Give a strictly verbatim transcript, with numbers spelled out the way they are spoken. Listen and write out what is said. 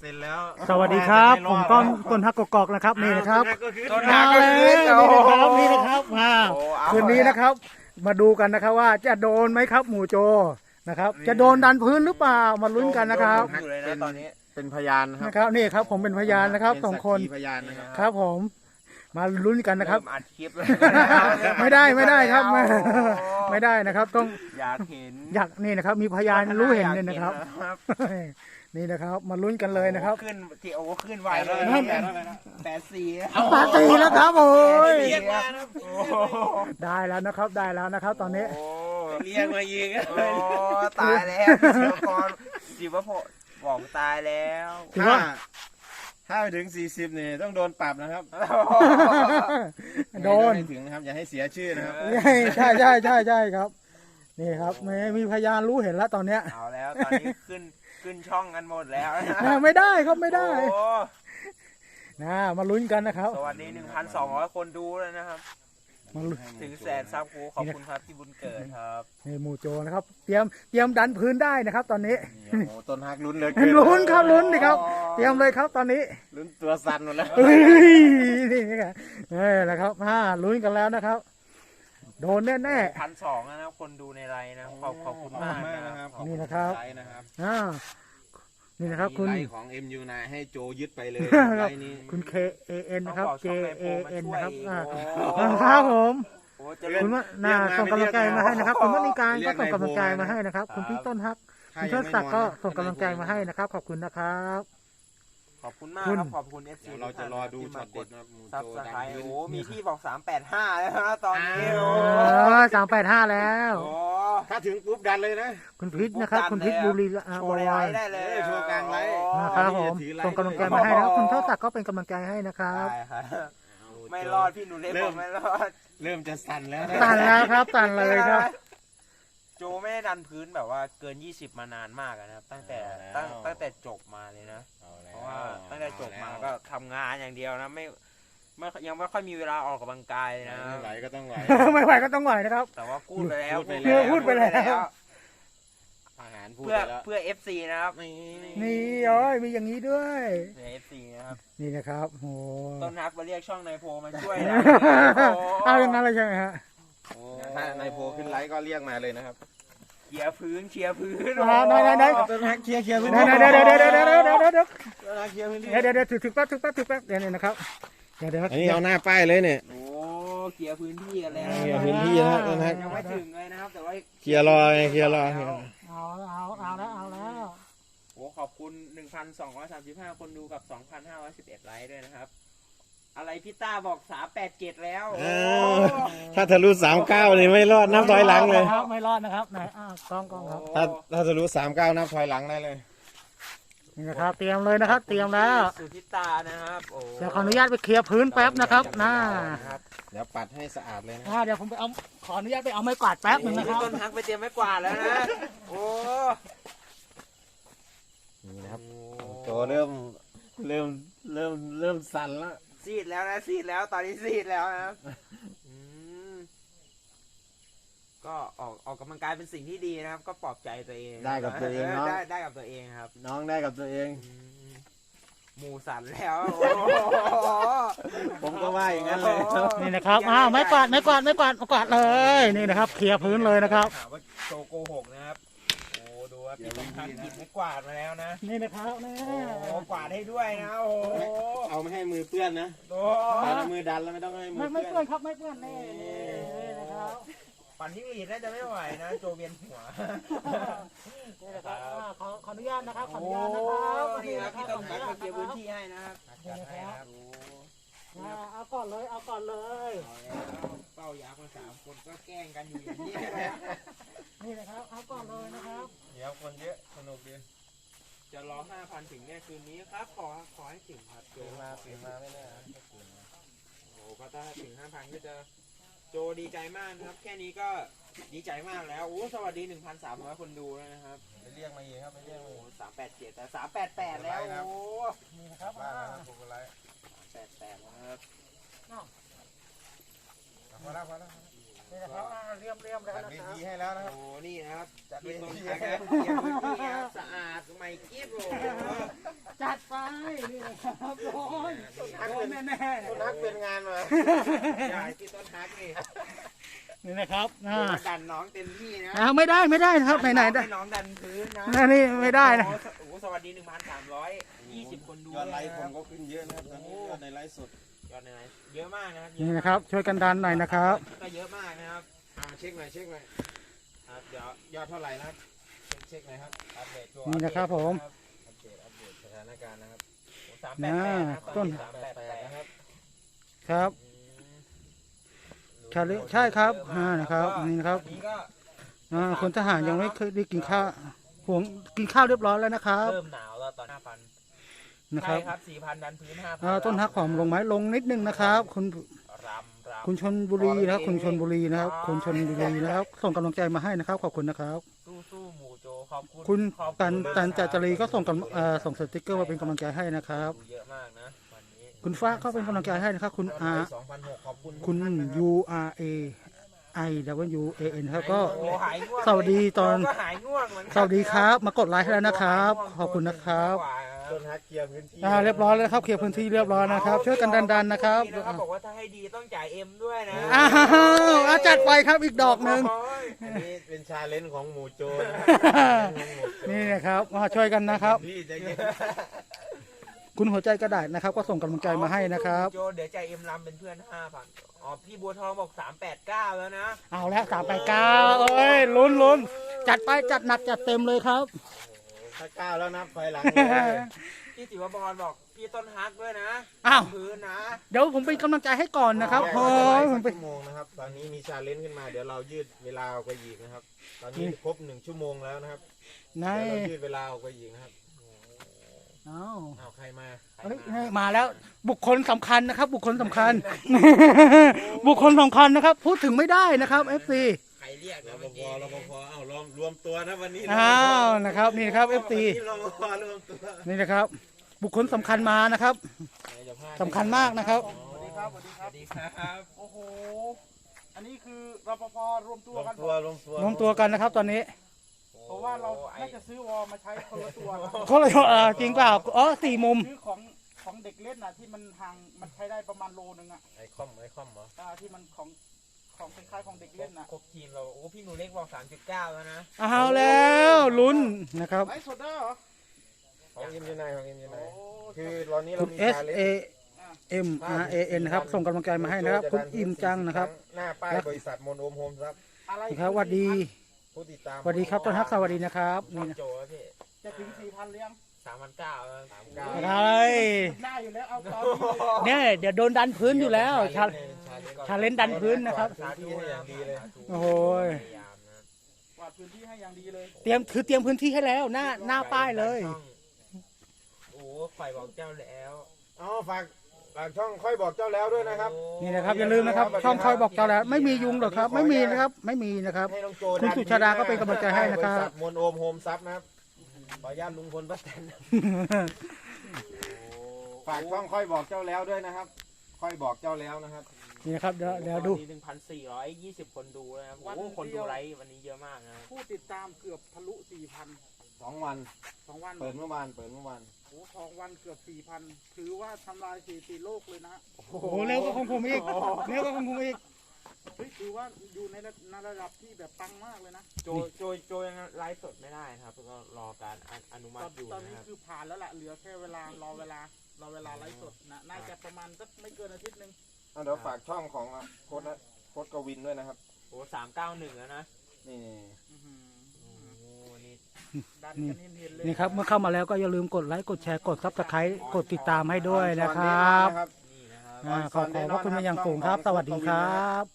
เสร็จแล้วสวัสดีครับผมต้นต้นฮักกอกนะครับนี่นะครับต้นฮักก็คือนี่นะครับนี่นะครับมาคืนนี้นะครับ มาดูกันนะครับว่าจะโดนไหมครับหมู่โจนะครับจะโดนดันพื้นหรือเปล่ามาลุ้นกันนะครับเป็นตอนนี้เป็นพยานนะครับนี่ครับผมเป็นพยานนะครับสองคนพยานนะครับครับผมมาลุ้นกันนะครับอัดคลิปไม่ได้ไม่ได้ครับไม่ได้นะครับต้องอยากเห็นอยากนี่นะครับมีพยานรู้เห็นเนี่ยนะครับนี่นะครับมาลุ้นกันเลยนะครับขึ้นที่โอ้ขึ้นไวเลยแปดสี่แปดสี่แล้วครับโอ้ยได้แล้วนะครับได้แล้วนะครับตอนนี้เรียกมายิงโอ้ตายแล้วเชียวกรจิวะพอบอกตายแล้วถ้าถ้าไปถึงสี่สิบนี่ต้องโดนปรับนะครับโดนถึงนะครับอย่าให้เสียชื่อนะครับใช่ใช่ใช่ใช่ครับนี่ครับไม่มีพยานรู้เห็นแล้วตอนเนี้ยเอาแล้วตอนนี้ขึ้นขึ้นช่องกันหมดแล้วไม่ได้ครับไม่ได้นะมาลุ้นกันนะครับสวัสดีหนึ่งพันสองร้อยคนดูเลยนะครับถึงแสนซับโอ้ขอบคุณครับที่บุญเกิดครับนี่หมู่โจนะครับเตรียมเตรียมดันพื้นได้นะครับตอนนี้โอ้ต้นฮักลุ้นเลยลุ้นครับลุ้นดิครับเตรียมเลยครับตอนนี้ลุ้นตัวสั่นหมดแล้วนี่นี่ไงนี่แหละครับมาลุ้นกันแล้วนะครับโดนแน่แน่พันสองนะครับคนดูในไลน์นะขอบขอบคุณมากนะครับนี่นะครับอ่านี่นะครับคุณไลน์ของ เอ็ม ยู ไนน์ ให้โจยึดไปเลยไลน์นี้คุณ เค เอ เอ็น นะครับ เจ เอ เอ็น นะครับครับผมคุณว่าน่าส่งกำลังใจมาให้นะครับคุณว่ามีการก็ส่งกำลังใจมาให้นะครับคุณพี่ต้นฮักคุณเชิดศักดิ์ก็ส่งกำลังใจมาให้นะครับขอบคุณนะครับขอบคุณมากครับขอบคุณ เอฟ ซี เราจะรอดูช็อตเด็ดนะซับสไครต์โอ้มีพี่บอกสามแปดห้าแล้วนะตอนนี้โอ้สามแปดห้าแล้วถ้าถึงปุ๊บดันเลยนะคุณพิษนะครับคุณพิษบุรีโชว์ไลน์ได้เลยโชว์กลางไลน์นะครับผมส่งกำลังใจมาให้นะครับคุณเชิดศักดิ์ก็เป็นกำลังใจให้นะครับไม่รอดพี่หนูเล็กบอกไม่รอดเริ่มจะสั่นแล้วสั่นแล้วครับสั่นเลยครับโจไม่ได้ดันพื้นแบบว่าเกินยี่สิบมานานมากนะครับตั้งแต่ตั้งตั้งแต่จบมาเลยนะเพราะว่าตั้งแต่จบมาก็ทำงานอย่างเดียวนะไม่ไม่ยังไม่ค่อยมีเวลาออกกำลังกายนะไม่ไหวก็ต้องไหวไม่ไหวก็ต้องไหวนะครับแต่ว่าพูดไปแล้วพูดไปแล้วอาหารพูดไปแล้วเพื่อเอฟซีนะครับนี่โอ้ยมีอย่างนี้ด้วยเพื่อเอฟซีนะครับนี่นะครับโอ้ต้นฮักมาเรียกช่องนายโพมาช่วยนะเอาอย่างนั้นเลยใช่ไหมฮะถ้านายโพขึ้นไลฟ์ก็เรียกมาเลยนะครับเคลียร์พื้นเคลียร์พื้นได้ได้ได้ต้นฮักเคลียร์เคลียร์พื้นได้ได้ได้ได้ได้ได้ได้ได้ได้ได้เคลียร์พื้นที่เดี๋ยวเดี๋ยวถึงถึงแป๊บถึงแป๊บถึงแป๊บเดี๋ยวนี้นะครับเดี๋ยวเดี๋ยวอันนี้เอาหน้าป้ายเลยเนี่ยโอ้เคลียร์พื้นที่กันแล้วเคลียร์พื้นที่นะต้นฮักยังไม่ถึงเลยนะครับแต่ว่าเคลียร์รอเคลียร์รอเอาเอาเอาแล้วเอาแล้วโอ้ขอบคุณ หนึ่งพันสองร้อยสามสิบห้า คนดูกับ สองพันห้าร้อยสิบเอ็ด ไลค์ด้วยนะครับอะไรพี่ต้าบอกสามแปดเจ็ดแล้วถ้าทะลุสามเก้านี่ไม่รอดนับถอยหลังเลยไม่รอดนะครับไหนอ้าวกล้องกล้องครับถ้าถ้าทะลุสามเก้านับถอยหลังได้เลยนี่นะครับเตรียมเลยนะครับเตรียมแล้วสุธิตานะครับเดี๋ยวขออนุญาตไปเคลียร์พื้นแป๊บนะครับน่าเดี๋ยวปัดให้สะอาดเลยนะเดี๋ยวผมไปเอาขออนุญาตไปเอาไม้กวาดแป๊บหนึ่งนะครับต้นฮักไปเตรียมไม้กวาดแล้วนะโอ้นี่นะครับโตเริ่มเริ่มเริ่มเริ่มสั่นแล้วซีดแล้วนะซีดแล้วตอนนี้ซีดแล้วนะครับก็ออกออกกำลังกายเป็นสิ่งที่ดีนะครับก็ปลอบใจตัวเองได้กับตัวเองเนาะได้ได้กับตัวเองครับน้องได้กับตัวเองหมูสั่นแล้วผมก็ว่าอย่างนั้นเลยนี่นะครับอ้าวไม้กวาดไม้กวาดไม้กวาดกวาดเลยนี่นะครับเคลียร์พื้นเลยนะครับว่าโชโกหกนะครับโอ้ดูว่าพี่ต้องทำกินไม้กวาดมาแล้วนะนี่นะครับนี่โอ้กวาดให้ด้วยนะโอ้เอาไม่ให้มือเปื้อนนะโอ้มือดันแล้วไม่ต้องให้มือไม่เปื้อนครับไม่เปื้อนนี่นะครับปั่นที่อีดน่าจะไม่ไหวนะโจเวียนหัวนี่นะครับขอขออนุญาตนะครับขออนุญาตนะครับนี่ครับพี่ต้องการเคลียร์พื้นที่ให้นะครับนี่นะครับเอาก่อนเลยเอาก่อนเลยเป้ายาคนสามคนก็แกล้งกันอยู่อย่างนี้นี่นะครับเอาก่อนเลยนะครับเดี๋ยวคนเยอะสนุกดีจะรอห้าพันถึงแน่คืนนี้ครับขอขอให้ถึงครับโจมาถึงมาไม่แน่โอ้ก็ถ้าถึงห้าพันก็จะโจดีใจมากนะครับแค่นี้ก็ดีใจมากแล้วโอ้สวัสดี หนึ่งพันสามร้อย คนดูแล้วนะครับไปเรียกมาอีกครับไปเรียกมาอีกสามแปดเจ็ดแต่สามแปดแปดแล้วโอ้นี่นะครับบ้าผมก็ไลฟ์สามแปดแปดนะครับพอแล้วพอแล้วนี่นะครับอ่าเรียมเรียมแล้วจัดนะเวครับทีให้แล้วนะครับโอ้นี่นะครับจัดเวที่ต้นทีทักให้นะเกียร์พื้นที่ครับสะอาดใหม่กิ๊บโอ้โหจัดไปนี่นะครับโอ้ยโดนแน่ต้นทักเป็นงานมาใช่ที่ต้นทักนี่ๆนี่นะครับอ่าดันน้องเต็มที่นะอ่าไม่ได้ไม่ได้นะครับไหนๆได้ให้น้องดันพื้นนะอันนี้ไม่ได้นะโอ้โหสวัสดีหนึ่งพันสามร้อยยี่สิบคนดูยอดไลค์นะผครัมบก็ขึ้นเยอะนะครับตอนนี้ยอดในไลฟ์สดยอดในไหนเยอะมากนะครับนี่นะครับ ช่วยกันดันหน่อยนะครับก็เยอะมากนะครับอ่าเช็คหน่อยเช็คหน่อยครับเดี๋ยวยอดเท่าไหร่นะครับเช็คเช็คหน่อยครับอัปเดตตัวนี่นะครับผมอัปเดตอัปเดตสถานการณ์นะครับสามน่าแปดแปดนะครับต้นสามแปดแปดนะครับครับ ใช่เลยใช่ครับอ่านะครับนี่นะครับอันนี้ก็อ่าคนทหารยังไม่เคยได้กินข้าวผมกินข้าวเรียบร้อยแล้วนะครับเริ่มหนาวแล้วตอนห้าพันนะคใช่รับครับสี่พันดันพื้นห้าพันอ่าต้นฮักหอมลงไม้ลงนิดนึงนะครับ คุณรำรำคุณชนบุรีนะครับ คุณชนบุรีนะครับคุณชนบุรีนะครับ ส่งกำลังใจมาให้นะครับขอบคุณนะครับสู้สู้หมูโจขอบคุณคุณขอบตันมากตันคจัรับจรีก็ส่งกำเอ่อส่งสติกเกอร์มาเป็นกำลังใจให้นะครับดูเยอะมากนะวันนี้คุณฟ้าก็เป็นกำลังใจให้นะครับ คุณยอดอาไลค์สองพันหกขอบคุณคุณทุกท่านนะครับ U R A I W A N ครับก็โอ้หายง่วงสวัสดีตอนเราก็หายง่วงเหมือนกันสวัสดีครับ มากดไลค์ให้แล้วนะครับ ขอบคุณนะครับต้นทักเคลียร์พื้นที่อ่าเรียบร้อยแล้วนะครับเคลียร์พื้นที่เรียบร้อยนะครับ ช่วยกันดันๆนะครับบอกว่าถ้าให้ดีต้องจ่ายเอ็มด้วยนะอ้าวอ่ะจัดไปครับอีกดอกหนึ่งโอ้ยอันนี้เป็นชาเลนจ์ของหมู่โจรนี่นะครับมาช่วยกันนะครับพี่ใจเย็นคุณหัวใจกระดาษนะครับ ก็ส่งกำลังใจมาให้นะครับโจเดี๋ยวจ่ายเอ็มลำเป็นเพื่อนห้าพันอ๋อพี่บัวทองบอกสามแปดเก้าแล้วนะเอาแล้วสามไปเก้าเอ้ยลุ้นลุ้นจัดไปจัดหนักจัดเต็มเลยครับถ้าก้าวแล้วนับไฟหลังพี่ติวบอลบอกพี่ต้นฮักด้วยนะอ้าวพื้นนะเดี๋ยวผมเป็นกำลังใจให้ก่อนนะครับแยกโอ้ไว้ยสัผกมเป็นชั่วโมงนะครับ ตอนนี้มีชาเลนจ์ขึ้นมา เดี๋ยวเรายืดเวลาออกไปอีกนะครับ ตอนนี้ครบหนึ่งชั่วโมงแล้วนะครับนเดี๋ยวเรายืดเวลาออกไปอีกนะครับเอาอ้าวใครมาเฮ้ยนี่มาแล้วบุคคลสำคัญนะครับ บุคคลสำคัญ บุคคลสำคัญนะครับ พูดถึงไม่ได้นะครับ เอฟ ซีใครเรียกรนะปเมื่อภกี้รปภเอ้ารวมรวมตัวนะวันนี้อ้าวนะครับนี่ครับ เอฟ ซีวันนี้รปภรวมตัวนี่นะครับ บุคคลสำคัญมานะครับสำคัญมากนะครับสวัสดีครับ สวัสดีสครัวับสดีครับโอ้โห อันนี้คือรปภรวมตัวรวมกันตัวรวมตัวรวมตัวกันนะครับ ตอนนี้เพราะว่าเราน่าจะซื้อวอลมาใช้คนละตัวนะเขาเลยเออจริงเปล่าอ๋อสี่มุมซื้อของของเด็กเล่นน่ะที่มันห่างมันใช้ได้ประมาณโลนึงอ่ะไอคอมไอคอมเหรออ่าที่มันของของคล้ายๆของเด็กเล่นน่ะครบทีมเราโอ้พี่หนูเล็กบอกสามจุดเก้าแล้วนะเอาแล้วลุ้นนะครับไลฟ์สดได้เหรอของอิมยูไนของอิมยูไนโอ้คือตอนนี้เราคุณมี S ชาเลน A จ์ M R A N นะครับ ส่งกำลังใจมาให้นะครับ คุณอิ่มจังนะครับหน้าป้ายบริษัทมนโอมโฮมครับอะไรครับสวัสดีผู้ติดตามสวัสดีครับต้นฮักสวัสดีนะครับนี่นี่นะโจแล้วพี่จะถึงสี่พันเลี้ยงสามพันเก้าแล้วสามเก้าอะไรได้อยู่แล้วเอาตอนนี้เนี่ยเดี๋ยวโดนดันพื้นอยู่แล้วชา ชาเลนจ์ดันพื้นนะครับสาธุให้อย่างดีเลยโอ้โหพยายามนะกวาดพื้นที่ให้อย่างดีเลยเตรียมคือเตรียมพื้นที่ให้แล้วหน้าหน้าป้ายเลยโอ้ฝ่ายบอกเจ้าแล้วอ๋อฝากฝากช่องค่อยบอกเจ้าแล้วด้วยนะครับนี่นะครับอย่าลืมนะครับ ช่องคอยบอกเจ้าแล้วไม่มียุงหรอกครับ ไม่มีนะครับ ไม่มีนะครับให้น้องโจคุณสุชาดาก็เป็นกำลังใจให้นะครับบริษัทมนโอมโฮมซับนะครับขออนุญาตลุงพลป้าแตนฝากช่องค่อยบอกเจ้าแล้วด้วยนะครับ ค่อยบอกเจ้าแล้วนะครับนี่นะครับเดี๋ยวเดี๋ยวดูหนึ่งพันสี่ร้อยยี่สิบคนดูนะครับโอ้คนดูไลฟ์วันนี้เยอะมากนะผู้ติดตามเกือบทะลุสี่พันสองวันสองวันเปิดเมื่อวานเปิดเมื่อวานโอ้สองวันเกือบสี่พันถือว่าทำลายสถิติโลกเลยนะโอ้โหเร็วก็ของผมอีกเร็วก็ของผมอีกเฮ้ยถือว่าอยู่ในระในระดับที่แบบปังมากเลยนะโจโจโจยังไลฟ์สดไม่ได้นะครับก็รอการอนุมัตอตินอยู่ตอนนะนี้ครับคือผ่านแล้วล่ะเหลือแค่เวลารอเวลารอเวลาไลฟ์สดนะน่าจะประมาณสักไม่เกินอาทิตย์หนึ่งอ่ะเดี๋ยวฝากช่องของโค้ดนะโค้ดกวินด้วยนะครับโอ้สามเก้าหนึ่งแล้วนะนี่อื้อหือโอ้นี่ดันกันเห็นๆเลยนี่ครับเมื่อเข้ามาแล้วก็อย่าลืมกดไลค์กดแชร์กดซับสไครต์กดติดตามให้ด้วยนะครับนะครับนี่นะครับอ่าขอขอบพระคุณมาอย่างสูงครับ สวัสดีครับ